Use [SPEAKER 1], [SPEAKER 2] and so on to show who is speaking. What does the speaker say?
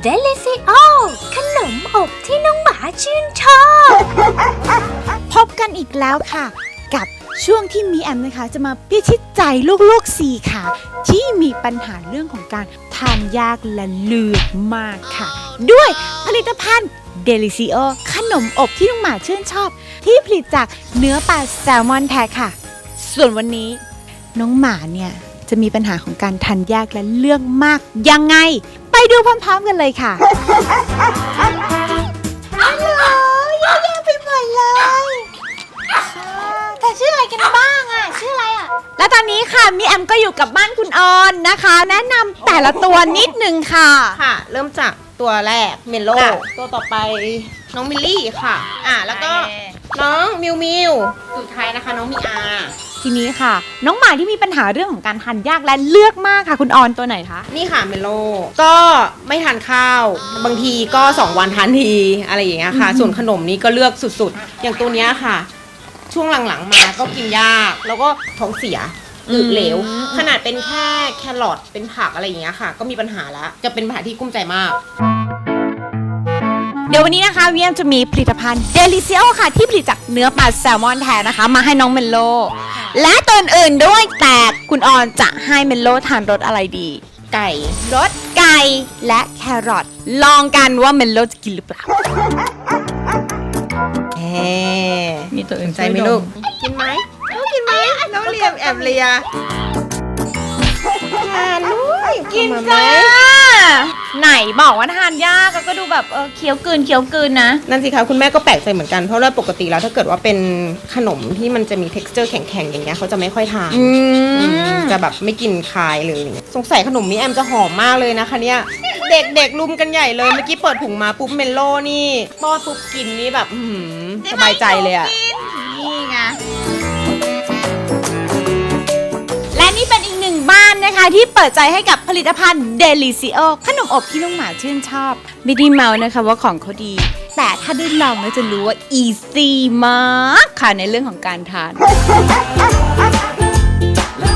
[SPEAKER 1] Delicio ขนมอบที่น้องหมาชื่นชอบ
[SPEAKER 2] พบกันอีกแล้วค่ะ กับช่วงที่มีแอมนะคะจะมาพิชิตใจลูกๆ4ขาที่มีปัญหาเรื่องของการทานยากและเลือกมากค่ะ ด้วยผลิตภัณฑ์ Delicio ขนมอบที่น้องหมาชื่นชอบ ที่ผลิตจากเนื้อปลาแซลมอนแท้ค่ะ ส่วนวันนี้น้องหมาเนี่ยจะมีปัญหาของการทานยากและเลือกมากยังไง ไปดูพร้อมๆกันเลยค่ะฮัลโหลเยอะแยะไปหมดเลยแต่ชื่ออะไรกันบ้างอ่ะชื่ออะไรอ่ะและตอนนี้ค่ะมีแอมก็อยู่กับบ้านคุณออนนะคะ แนะนำแต่ละตัวนิดนึงค่ะ
[SPEAKER 3] ค่ะเริ่มจากตัวแรกเมโล
[SPEAKER 2] ค่ะ
[SPEAKER 3] ตัวต่อไปน้องมิลลี่ค่ะแล้วก็น้องมิวมิวสุดท้ายนะคะน้องมีอา
[SPEAKER 2] ทีนี้ค่ะ น้องหมาที่มีปัญหาเรื่องของการทานยากและเลือกมากค่ะคุณออนตัวไหนคะ
[SPEAKER 3] นี่ค่ะเมโลก็ไม่ทานข้าวบางทีก็2 วันทานทีอะไรอย่างเงี้ยค่ะส่วนขนมนี้ก็เลือกสุดๆอย่างตัวเนี้ยค่ะ ช่วงหลังๆมาก็กินยากแล้วก็ท้องเสียอืดเหลวขนาดเป็นแค่แครอทเป็นผักอะไรอย่างเงี้ยค่ะก็มีปัญหาแล้วจะเป็นปัญหาที่กุ้มใจมาก
[SPEAKER 2] เดี๋ยววันนี้นะคะเวียมจะมีผลิตภัณฑ์ Delicio ค่ะที่ผลิตจากเนื้อปลาแซลมอนแท้นะคะมาให้น้องเมลโลและตัวอื่นๆด้วยแต่คุณออนจะให้เมลโลทานรสอะไรดี
[SPEAKER 3] ไก่
[SPEAKER 2] รสไก่และแครอทลองกันว่าเมลโลจะกินหรือเปล่า
[SPEAKER 3] มีตัวอื่นใจไหมลูกกินไหมกินไหมน้องเลียแอบเลียทานลูก
[SPEAKER 2] กินจ้าไหนบอกว่าทานยากก็ดูแบบเคี้ยวกลืนนะ
[SPEAKER 3] นั่นสิคะคุณแม่ก็แปลกใจเหมือนกันเพราะว่าปกติแล้วถ้าเกิดว่าเป็นขนมที่มันจะมี texture แข็งๆอย่างเงี้ยเขาจะไม่ค่อยทานจะแบบไม่กินคายเลยสงสัยขนมนี้แอมจะหอมมากเลยนะคะเนี่ยเด็กๆลุมกันใหญ่เลยเมื่อกี้เปิดถุงมาปุ๊บเมลโล่นี่ป้อนปุ๊บกินนี่แบบสบายใจเลยอะ
[SPEAKER 2] นี่ไงและนี่เป็นอีกหนึ่งบ้านนะคะที่เปิดใจให้กับผลิตภัณฑ์ Delicio ขนมอบที่น้องหมาชื่นชอบไม่ได้เมานะคะว่าของเขาดี แต่ถ้าได้ลองแล้วจะรู้ว่า easy มากค่ะในเรื่องของการทาน